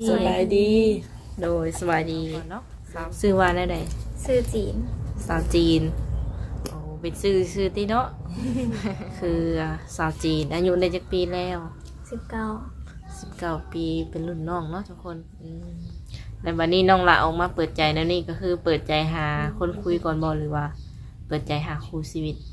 สบายดีโดยสวัสดีเนาะซื้อว่าได้ใดซื้อจีนสาวจีนโอ้เป็นซื้อที่เนาะ คือสาวจีนอายุได้จักปีแล้ว 19 ปีเป็นรุ่นน้องเนาะทุกคนในวันนี้น้องละออกมาเปิดใจแล้วนี่ก็คือเปิดใจหาคนคุยก่อนบ่หรือว่า เปิดใจหาคู่ชีวิต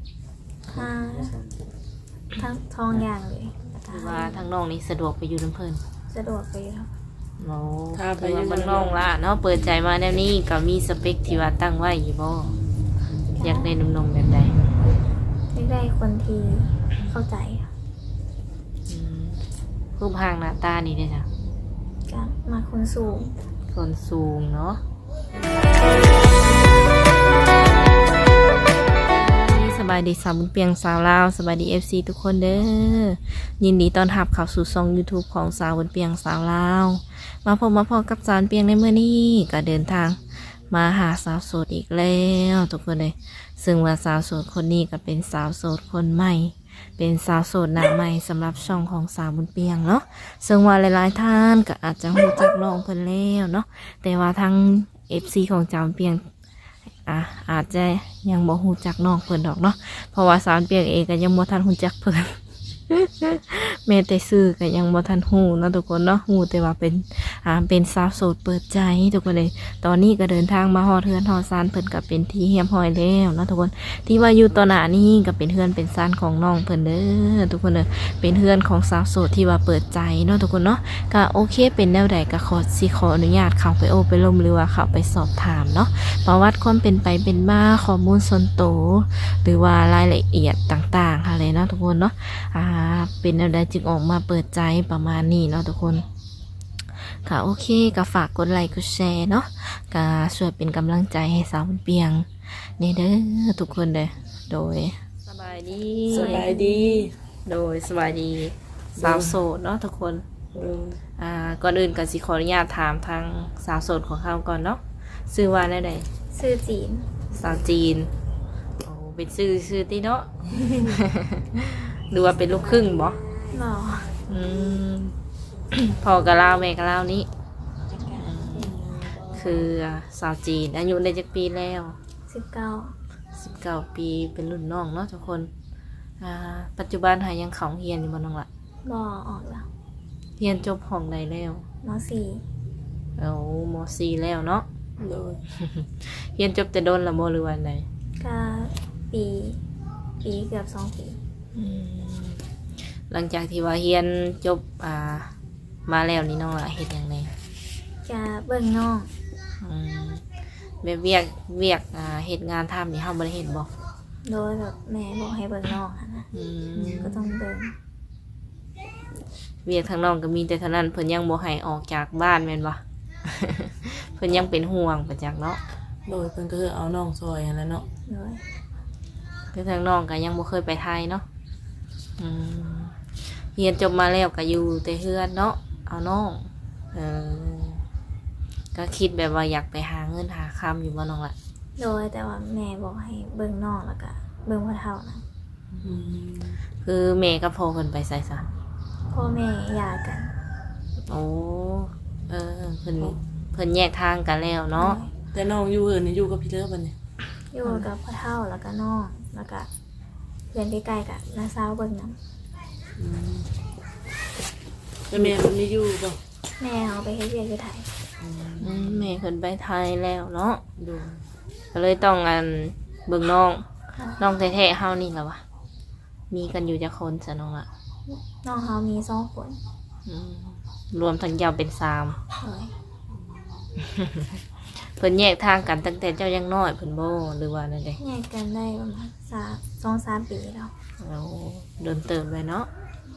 ทั้งทองอย่างเลยหรือว่าทางน้องนี่สะดวกไปอยู่น้ำเพิ่นสะดวกไปอยู่ครับโอ้คือว่ามันน้องละเนาะเปิดใจมาแนวนี้ก็มีสเปคที่ว่าตั้งไว้อยู่บ่อยากได้หนุ่มๆแบบใดไม่ได้คนที่เข้าใจครับรูปร่างหน้าตานี่ได้จ้ะก็มาคนสูงส่วนสูงเนาะสบายดีสาวบุญเปียงสาวลาวสบายดี FC ทุกคนเด้อยินดีต้อนรับเข้าสู่ช่อง YouTube ของสาวบุญเปียงสาวลาวมาพบกับสาวบุญเปียงในมื้อนี้ก็เดินทางมาหาสาวโสดอีกแล้วทุกคนเลยซึ่งว่าสาวโสดคนนี้ก็เป็นสาวโสดคนใหม่เป็นสาวโสดหน้าใหม่สำหรับช่องของสาวบุญเปียงเนาะซึ่งว่าหลายๆท่านก็อาจจะรู้จักน้องเพิ่นแล้วเนาะแต่ว่าทั้ง FC ของสาวบุญเปียงอาจจะยังบ่ฮู้จักน้องเพิ่นดอกเนาะเพราะว่าสาวบุญเปียงเองก็ยังบ่ทันฮู้จักเพิ่น แม้แต่ชื่อก็ยังบ่ทันฮู้เนาะทุกคนเนาะฮู้แต่ว่าเป็นสาวโสดเปิดใจทุกคนเลยตอนนี้ก็เดินทางมาฮอดเฮือนฮอดซานเพิ่นก็เป็นที่เฮียมห้อยแล้วเนาะทุกคนที่ว่าอยู่ต่อหน้านี้ก็เป็นเฮือนเป็นซานของน้องเพิ่นเด้อทุกคนเด้อเป็นเฮือนของสาวโสดที่ว่าเปิดใจเนาะทุกคนเนาะก็โอเคเป็นแนวใดก็ขออนุญาตเข้าไปโอไปลมหรือว่าเข้าไปสอบถามเนาะประวัติความเป็นไปเป็นมาข้อมูลส่วนตัวหรือว่ารายละเอียดต่างๆอะไรเนาะทุกคนเนาะเป็นแนวใดจึงออกมาเปิดใจประมาณนี้เนาะทุกคนค่ะโอเคก็ฝากกดไลค์กดแชร์เนาะก็ช่วยเป็นกำลังใจให้สาวบุญเปียงนี่เด้อทุกคนเด้อโดยสบายดีสบายดีโดยสบายดีสาวโสดเนาะทุกคนเออก่อนอื่นก็สิขออนุญาตถามทางสาวโสดของเขาก่อนเนาะชื่อว่าได้ใดซื้อจีนสาวจีนโอ้เป็นชื่อที่เนาะ ดูว่าเป็นลูกครึ่งบ่หล่ออืม พ่อกะลาวแม่กะลาวนี้คือสาวจีนอายุได้จักปีแล้ว 19 ปีเป็นรุ่นน้องเนาะทุกคนปัจจุบันหายังเขาเฮียนอยู่บ่น้องละบ่ออกแล้วเฮียนจบห้องใดแล้วมเอาม .4 แล้วเนาะโดยเฮียนจบแต่โดนละบ่หรือว่าได .4 ก็ปีเกือบ2 ปีหลังจากที่ว่าเฮียนจบมาแล้วนี่น้องละเฮ็ดหยังไงจะเบิ่งน้องแบบเวียกเฮ็ดงานทำนี่เฮาบ่ได้เฮ็ดบ่โดยแบบแม่บอกให้เบิ่งน้องอะนะก็ต้องเบิ่งเวียกทางน้องก็มีแต่เท่านั้นเพิ่นยังบ่ให้ออกจากบ้านแม่นบ่ เพิ่นยังเป็นห่วงประจักเนาะโดยเพิ่นก็คือเอาน้องซอยหั่นแหล้วเนาะโดยคือทางน้องก็ยังบ่เคยไปไทยเนาะเรียนจบมาแล้วก็อยู่แต่เฮือนเนาะเอาน้องก็คิดแบบว่าอยากไปหาเงินหาคำอยู่บ่น้องล่ะโดยแต่ว่าแม่บอกให้เบิ่งน้องแล้วก็เบิ่งพ่อเฒ่านะคือแม่กับพ่อเพิ่นไปไสซะพ่อแม่หย่ากันโอ้เพิ่นแยกทางกันแล้วเนาะแต่น้องอยู่เอิ้นนี่อยู่กับพี่เลิฟบัดนี้อยู่กับพ่อเฒ่าแล้วก็น้องแล้วก็เพื่อนใกล้ๆกับน้าสาวเบิ่งนำแล้วแม่มันมีอยู่บ่แม่เอาไปเฮ็ดเวียกอยู่ไทยแม่เพิ่นไปไทยแล้วเนาะโดยก็เลยต้องเบิ่งน้องแท้ๆเฮานี่ล่ะวะมีกันอยู่จักคนซะน้องล่ะน้องเขามี2 คนรวมทั้งเจ้าเป็น3 โดยเพิ่นแยกทางกันตั้งแต่เจ้ายังน้อยเพิ่นบ่หรือว่านั่นเด้แยกกันได้ประมาณ2-3 ปีแล้วเอาเดินเติมไปเนาะ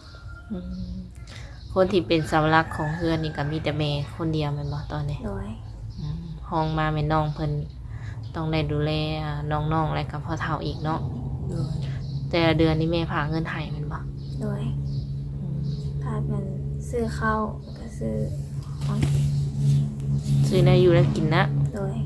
คนที่เป็นเสาหลักของเฮือนนี่ก็มีแต่แม่คนเดียวแม่นบ่ตอนนี้โดยห้องมาแม่น้องเพิ่นต้องได้ดูแลน้องๆและกับพ่อเฒ่าอีกเนาะโดยแต่ละเดือนนี้แม่พาเงินให้แม่นบ่โดยพาเงินซื้อข้าวแล้วก็ซื้อของกินซื้อได้อยู่แล้วกินนะโดย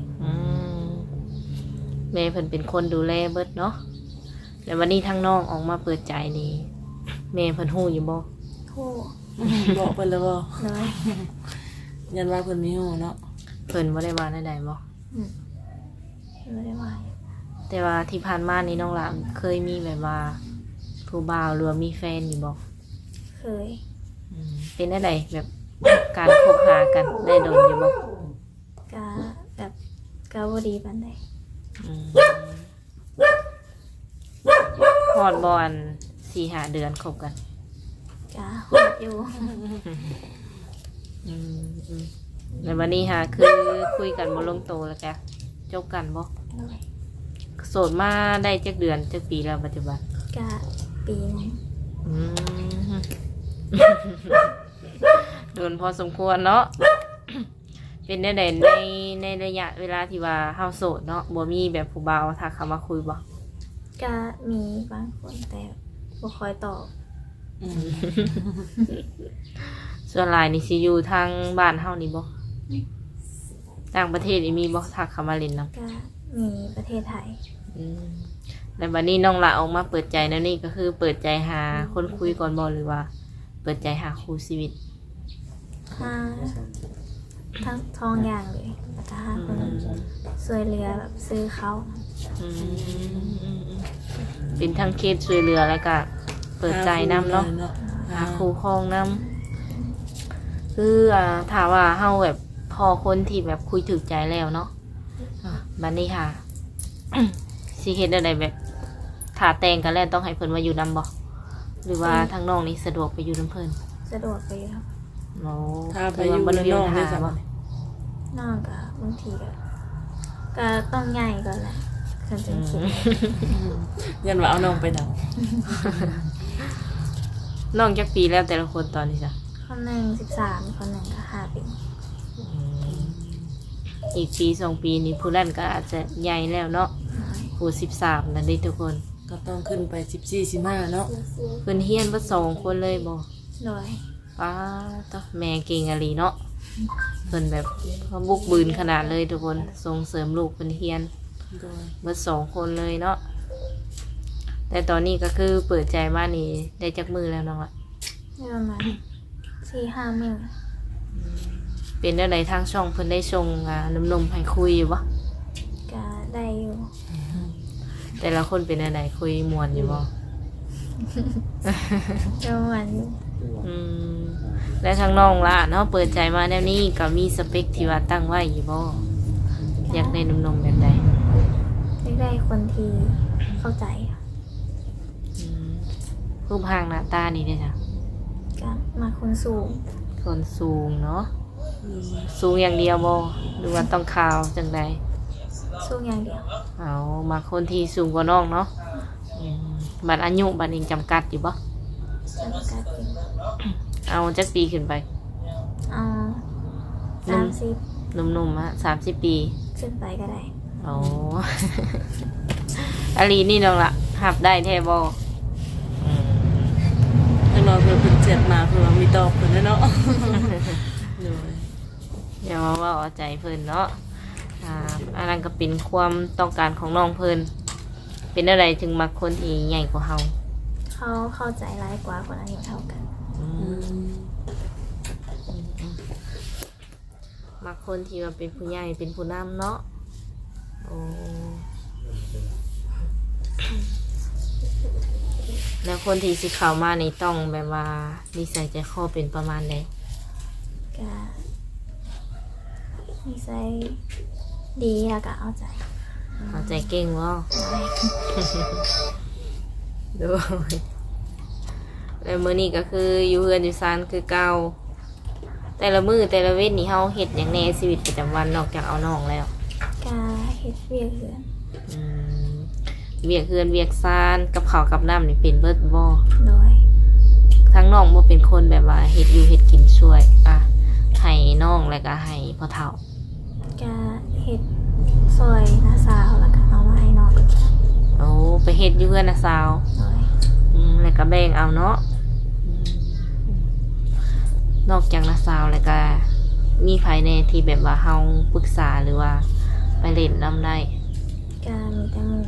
แม่เพิ่นเป็นคนดูแลเบิดเนาะแล้ววันนี้ทั้งน้องออกมาเปิดใจนี่แม่เพิ่นฮู้อยู่บ่โทรบอกเพิ่นแล้วบ่โดยยันว่าเพิ่นมีฮู้เนาะเพิ่นบ่ได้ว่าใดๆบ่ไม่ได้ว่าแต่ว่าที่ผ่านมานี่น้องหลานเคยมีแบบว่าผู้บ่าวหรือว่ามีแฟนอยู่บ่เคยเป็นได้แบบการคบหากันได้โดนอยู่บ่กะแบบกะบ่ดีปานใดฮอดบ่อัน 4-5 เดือนคบกันกะฮอดอยู่ในวันนี้ค่ะคือคุยกันบ่ลงตัวแล้วแกจบกันบ่โดยโสดมาได้จักเดือนจักปีแล้วปัจจุบันกะปีหนึงอืม โดนพอสมควรเนาะ เป็นได้ในระยะเวลาที่ว่าเฮาโสดเนาะบ่มีแบบผู้บ่าวทักเข้ามาคุยบ่กะมีบางคนแต่บ่ค่อยตอบส่วนหลายนี่สิอยู่ทางบ้านเฮานี่บ่ต่างประเทศนี่มีบ่ทักเข้ามาเล่นนำกะมีประเทศไทยแล้วบัดนี้น้องละออกมาเปิดใจแล้วนี่ก็คือเปิดใจหาคนคุยก่อนบ่หรือว่า เปิดใจหาคู่ชีวิตห้าทั้งทองอย่างเลยแล้วก็ห้าคนช่วยเหลือแบบซื้อเขาเป็นทั้งเคสช่วยเหลือแล้วก็เปิดใจนำเนาะหาคู่ครองนำคือถามว่าเฮาแบบพอคนที่แบบคุยถึกใจแล้วเนาะบัดนี้ค่ะ สิเฮ็ดอะไรแบบถ้าแต่งกันแล้วต้องให้เพิ่นมาอยู่นำบ่หรือว่าทางน้องนี่สะดวกไปอยู่นำเพิ่นสะดวกไปอยู่ครับโอ้ถ้าไปอยู่กับน้องได้สบายน้องก็บางทีก็ต้องใหญ่ก่อนแหละคันจะคิดยันว่าเอาน้องไปนำน้องจักปีแล้วแต่ละคนตอนนี้จ้ะคนหนึ่ง13คนหนึ่งก็5 ปีอีกปี2 ปีนี้ผู้นั้นก็อาจจะใหญ่แล้วเนาะผู้13นั่นเด้ทุกคนก็ต้องขึ้นไป14-15เนาะเพิ่นเฮียนเบ่2 คนเลยบ่โดยป้าตะแม่เก่งอะลีเนาะเพิ่นแบบเขาบุกบืนขนาดเลยทุกคนส่งเสริมลูกเพิ่นเฮียนโดยเบิด2 คนเลยเนาะแต่ตอนนี้ก็คือเปิดใจมานี่ได้จักมือแล้วน้องละได้ประมาณ4-5 มื้อเป็นได้ใดทางช่องเพิ่นได้ส่งนมๆให้คุยอยู่บ่ก็ได้อยู่แต่ละคนเป็นอะไรคุยม่วนอยู่บ่ประมาณอยู่และทางน้องล่ะเนาะเปิดใจมาแนวนี้ก็มีสเปคที่ว่าตั้งไว้อยู่บ่อยากได้นมๆแบบใดได้คนที่เข้าใจค่ะรูปร่างหน้าตานี่เด้จ้ะก็มาคนสูงคนสูงเนาะสูงอย่างเดียวบ่หรือว่าต้องขาวจังใดสูงอย่างเดียวเอามาคนที่สูงกว่าน้องเนาะบัดอายุบัดนี้จำกัดอยู่บ่จำกัดอยู่เอาจักปีขึ้นไปเอา30 หนุ่มๆฮะ30 ปีขึ้นไปก็ได้โอ้ อาลีนี่น้องละหับได้แท้บ่ทางน้องเพิ่นเจ็บมาเพิ่นว่ามีตอบเพิ่นเนาะ โดยอย่ามาว่าเอาใจเพิ่นเนาะอันนั้นก็เป็นความต้องการของน้องเพิ่นเป็นอะไรถึงมักคนที่ใหญ่กว่าเฮาเขาเข้าใจร้ายกว่าคนอายุเท่ากันมักคนที่ว่าเป็นผู้ใหญ่เป็นผู้นำเนาะโอ้แล้วคนที่สิเข้ามานี่ต้องแบบว่านิสัยใจคอเป็นประมาณใดก็นิสัยดีแล้วก็เอาใจเอาใจเก่งบ่ดูแล้วมื้อนี้ก็คืออยู่เฮือนอยู่ซานคือเก่าแต่ละมื้อแต่ละเว้นนี่เฮาเฮ็ดหยังแหน่ชีวิตประจำวันนอกจากเอาน้องแล้วก็เฮ็ดเวียกเหือนเวียกเฮือนเวียกซานกับข้าวกับน้ำนี่เป็นเบิดบ่โดยทั้งน้องบ่เป็นคนแบบว่าเฮ็ดอยู่เฮ็ดกินช่วยให้น้องแล้วก็ให้พ่อเฒ่าก็เฮ็ดซอยน้าสาวแล้วก็เอามาให้น้องโอ้ไปเฮ็ดอยู่เฮือนน่ะสาวโดยแล้วก็แบ่งเอาเนาะนอกจากน่ะสาวแล้วก็มีไผแน่ที่แบบว่าเฮาปรึกษาหรือว่าไปเล่นนำได้ก็มีแต่หมู่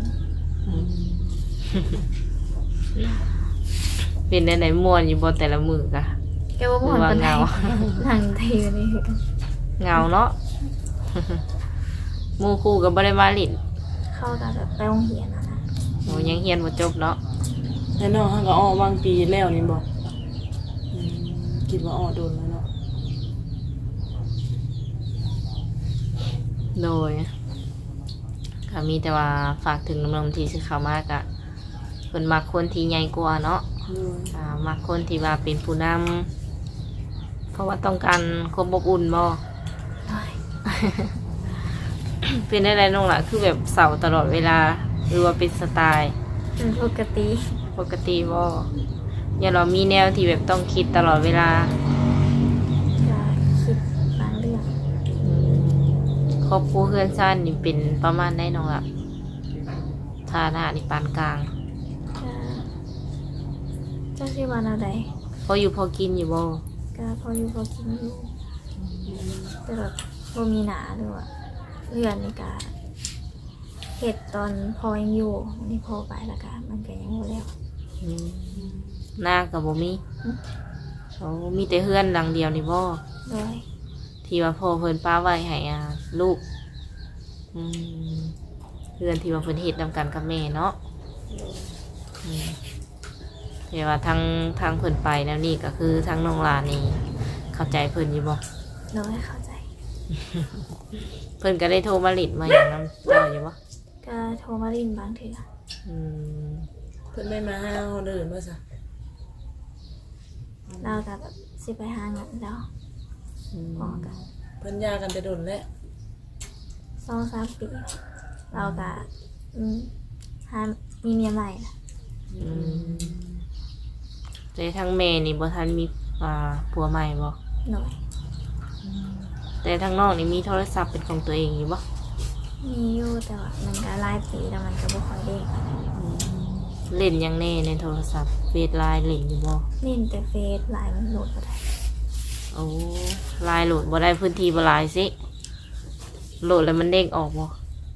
เป็นได้ไหนม่วนอยู่บ่แต่ละมื้อกะแกว่าบ่หรือว่าปานใดเหงานั่งทีอยู่นี่เหงาเนาะ หมู่คู่ก็บ่ได้มาลิ้นเข้ากับแบบไปโรงเรียนนะโอ้ยังเรียนบ่จบเนาะแล้วน้องเขาก็ออกบางปีแล้วนี่บอกคิดว่าออกโดนแล้วเนาะโดยก็มีแต่ว่าฝากถึงน้องๆที่สิเข้ามากะเพิ่นมักคนที่ใหญ่กว่าเนาะ มักคนที่ว่าเป็นผู้นำเพราะว่าต้องการความอบอุ่นบ่น้อยเป็นอะไรน้องล่ะคือแบบเสาตลอดเวลาหรือว่าเป็นสไตล์เป็นปกติปกติบ่อย่าเรามีแนวที่แบบต้องคิดตลอดเวลาก็คิดบางเรื่องครอบครัวเพื่อนซ่านนี่เป็นประมาณได้น้องล่ะฐานะนี่ปานกลางก็เจ้าชื่อวันอะไรพออยู่พอกินอยู่บ่ก็พออยู่พอกินอยู่แต่แบบบ่มีหนาด้วยว่าเรือนนี่ก็เห็ดตอนพอยังอยู่วันนี้พอไปแล้วก็มันก็ยังบ่แล้วอืมหน้าก็บ่มีโอ้มีแต่เฮือนหลังเดียวนี่บ่โดยที่ว่าพ่อเพิ่นป้าไว้ให้ลูกเพื่อนที่ว่าเพิ่นเฮ็ดนำกันกับแม่เนาะแต่ว่าทางเพิ่นไปแล้วนี่ก็คือทางน้องหลานนี่เข้าใจเพิ่นอยู่บ่โดยเข้าใจเพิ่นก็ได้โทรมาหลิดมาอย่างน้ำเจ้าอยู่บ่ก็โทรมาลินบางเถื่ออืมเพิ่นได้มาหาเราเดินบ่ซะเราก็แบบสิไปหาเงินแล้วพอกันเพิ่นยากันแต่โดนแล้ว 2-3 ปีเราก็หามีเมียใหม่ละแต่ทางแม่นี่บ่ทันมีผัวใหม่บ่หน่อยแต่ทางน้องนี่มีโทรศัพท์เป็นของตัวเองอยู่บ่มีอยู่แต่ว่ามันก็หลายปีแล้วมันก็บ่ค่อยเด้งเล่นหยังแน่ในโทรศัพท์เฟซไลน์เล่นอยู่บ่เล่นแต่เฟซไลน์มันโหลดบ่ได้โอ้ไลน์โหลดบ่ได้พื้นที่บ่หลายสิโหลดแล้วมันเด้งออกบ่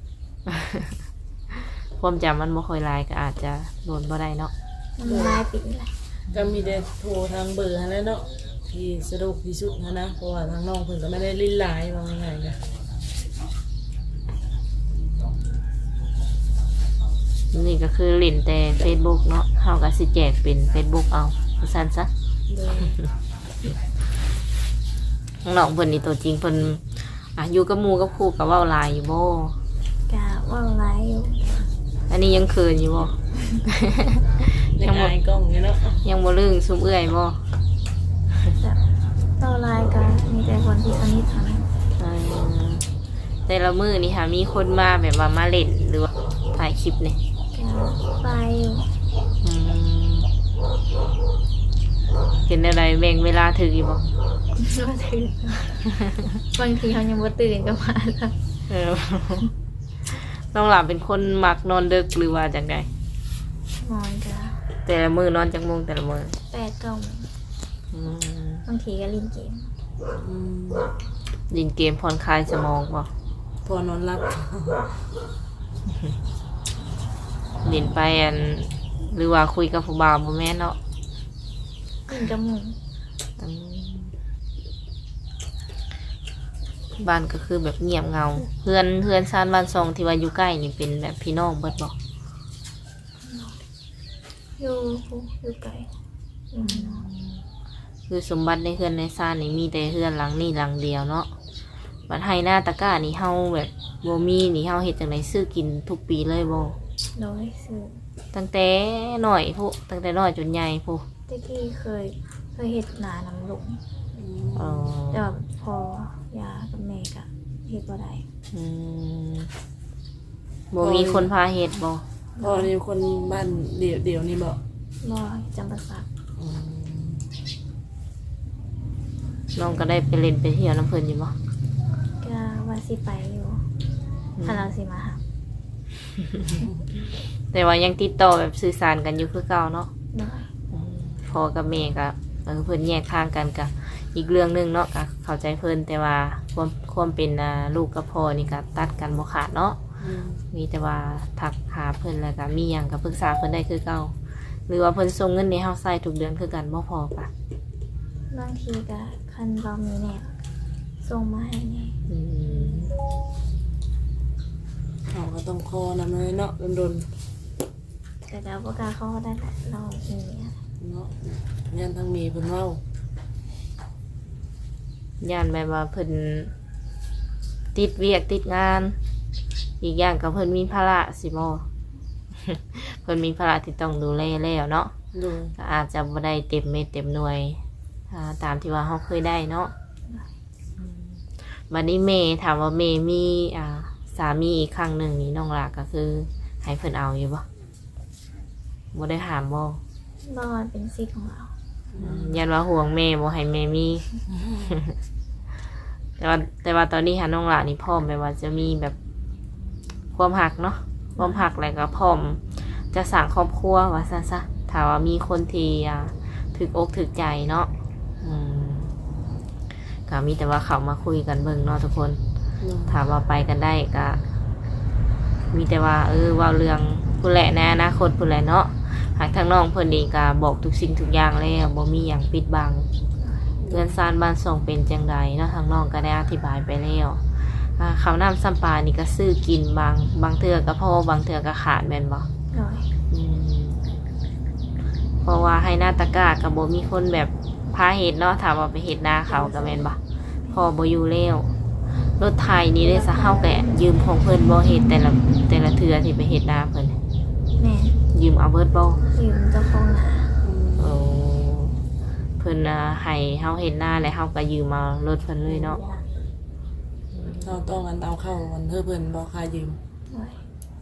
ความจำมันบ่ค่อยหลายก็อาจจะโหลดบ่ได้เนาะมันหลายปีแล้วก็มีแต่โทรทางเบอร์หั่นแหละเนาะที่สะดวกที่สุดนะเพราะว่าทางน้องเพิ่นก็ไม่ได้ลิ้นหลายว่าง่ายๆก็นี่ก็คือเล่นแต่ Facebook เนาะเฮาก็สิแจกเป็น Facebook เอาซั่นซะโดยน้องเพิ่นนี่ตัวจริงเพิ่นอยู่กับหมู่กับครูก็เว้าหลายอยู่บ่ก็เว่าหลายอยู่อันนี้ยังเขินอยู่บ่ยังอายกล้องอยู่เนาะยังบ่ลืมซุมเอื้อยบ่แต่เว่าหลายก็มีแต่คนที่สนิทเท่านั้นเออแต่ละมื้อนี่ค่ะมีคนมาแบบว่ามาเล่นหรือว่าถ่ายคลิปนี่ก็ไปอยู่อืมเห็นอะไรแบ่งเวลาถึงอยู่บ่บ่ตื่นบางทีเขายังบ่ตื่นก็มาแล้วเออ น้องหลานเป็นคนมักนอนดึกหรือว่าจังไดนอนก็แต่ละมื้อนอนจักโมงแต่ละมื้อ 8-9 โมงอืมบางทีก็เล่นเกมอืมเล่นเกมผ่อนคลายสมองบ่พอนอนหลับเล่นไปหรือว่าคุยกับผู้บ่าวบ่แม่นเนาะเล่นกับหมู่อืมบ้านก็คือแบบเงียบเงาเพื่อนซานบ้านซองที่ว่าอยู่ใกล้นี่เป็นแบบพี่น้องเบิดบ่อยู่ไกลอยู่ข้างนอกคือสมบัติในเฮือนในซานนี่มีแต่เฮือนหลังนี่หลังเดียวเนาะบัดให้หน้าตะกร้านี่เฮาแบบบ่มีนี่เฮาเฮ็ดจังไดซื้อกินทุกปีเลยบ่โดยซื้อตั้งแต่น้อยพุตั้งแต่น้อยจนใหญ่พุตะกี้เคยเห็ดหนาน้ำหลงอ๋อแต่ว่าพอยากับแม่ก็เห็ดบ่ได้อืมบ่มีคนพาเฮ็ดบ่พอนี่คนบ้านเดี่ยวนี่บอกบ่จำปาสักน้องก็ได้ไปเล่นไปเที่ยวน้ำเพิ่นอยู่บ่ก็ว่าสิไปอยู่ถ้าเราสิมาหาแต่ว่ายังติดต่อแบบสื่อสารกันอยู่คือเก่าเนาะโดยพ่อกับแม่ก็เพิ่นแยกทางกันก็อีกเรื่องหนึงเนาะก็เข้าใจเพิ่นแต่ว่าความเป็นลูกกับพ่อนี่ก็ตัดกันบ่ขาดเนาะมีแต่ว่าทักหาเพิ่นแล้วก็มีหยังก็ปรึกษาเพิ่นได้คือเก่าหรือว่าเพิ่นส่งเงินให้เฮาใช้ทุกเดือนคือกันบ่พอปะบางทีก็คันเรามีแน่ส่งมาให้นี่อืมเขาก็ต้องคอนำเลยเนาะโดนแต่ก็บ่กล้าเข้าได้แหละเรามีเนี่ยๆเนาะยันทั้งมีเพิ่นเว้าย่านแบบว่าเพิ่นติดเวียกติดงาน อีกอย่างก็เพิ่นมีภาระสิบ่ เพิ่นมีภาระที่ต้องดูแลแล้วเนาะโดยก็อาจจะบ่ได้เต็มเม็ดเต็มหน่วยตามที่ว่าเฮาเคยได้เนาะบัดนี้เมย์ถามว่าเมย์มีสามีอีกครั้งหนึ่งนี่น้องหลาก็คือให้เพิ่นเอาอยู่บ่บ่ได้ถามบ่บ่เป็นสิทธิ์ของเรายันว่าห่วงเมย์บ่ให้เมย์มี แต่ว่าตอนนี้หาน้องหลานี่พร้อมแบบว่าจะมีแบบความหักเนาะความหักแล้วก็พร้อมจะสร้างครอบครัวว่าซั่นซะถ้าว่ามีคนที่ถึกอกถึกใจเนาะก็มีแต่ว่าเขามาคุยกันเบิ่งเนาะทุกคนโดยถามว่าไปกันได้ก็มีแต่ว่าว่าเรื่องผู้แหละในอนาคตผู้แหละเนาะหากทางน้องเพิ่นนี่ก็บอกทุกสิ่งทุกอย่างแล้วบ่มีหยังปิดบังเรือนซานบ้านส่งเป็นจังใดเนาะทางน้องก็ได้อธิบายไปแล้วข้าวน้ำซ้ำปลานี่ก็ซื้อกินบางเทื่อก็พอบางเทื่อก็ขาดแม่นบ่โดยเพราะว่าให้หน้าตะกร้ากับบ่มีคนแบบพาเฮ็ดเนาะถามว่าไปเฮ็ดนาเขาก็แม่นบ่พอบ่อยู่แล้วรถไถนี่ได้ซะเฮาก็ยืมของเพิ่นบ่เฮ็ดแต่ละเทื่อที่ไปเฮ็ดนาเพิ่นแม่ยืมเอาเบิดบ่ยืมเจ้าของหนาโอ้เพิ่นให้เฮาเฮ็ดนาแล้วเฮาก็ยืมเอารถเพิ่นเลยเนาะเราต้องกันเอาเข้าวันเพิ่นบ่ค่ายืมโดย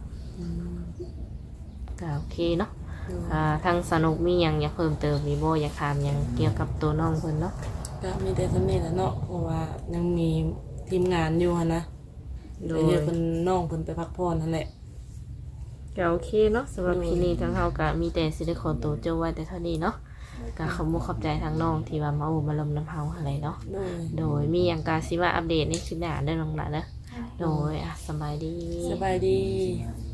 ก็โอเคเนาะทางสนุกมีหยังอยากเพิ่มเติมมีบ่อยากถามหยังเกี่ยวกับตัวน้องเพิ่นเนาะก็มีแต่สำเนียงแหละเนาะเพราะว่ายังมีทีมงานอยู่หั่นนะเดี๋ยวเดี๋ยวเพิ่นน้องเพิ่นไปพักผ่อนนั่นแหละก็โอเคเนาะสำหรับที่นี้ทางเฮาก็มีแต่สิได้ขอตัวเจ้าไว้แต่เท่านี้เนาะก็ขอบคุณขอบใจทางน้องที่ว่ามาโอ้มาลมน้ำเฮาอะไรเนาะโดยโดยมีหยังกาสิมาอัปเดตในคลิปหน้าเด้อน้องหลานเด้อโดยโดยสบายดีสบายดีโ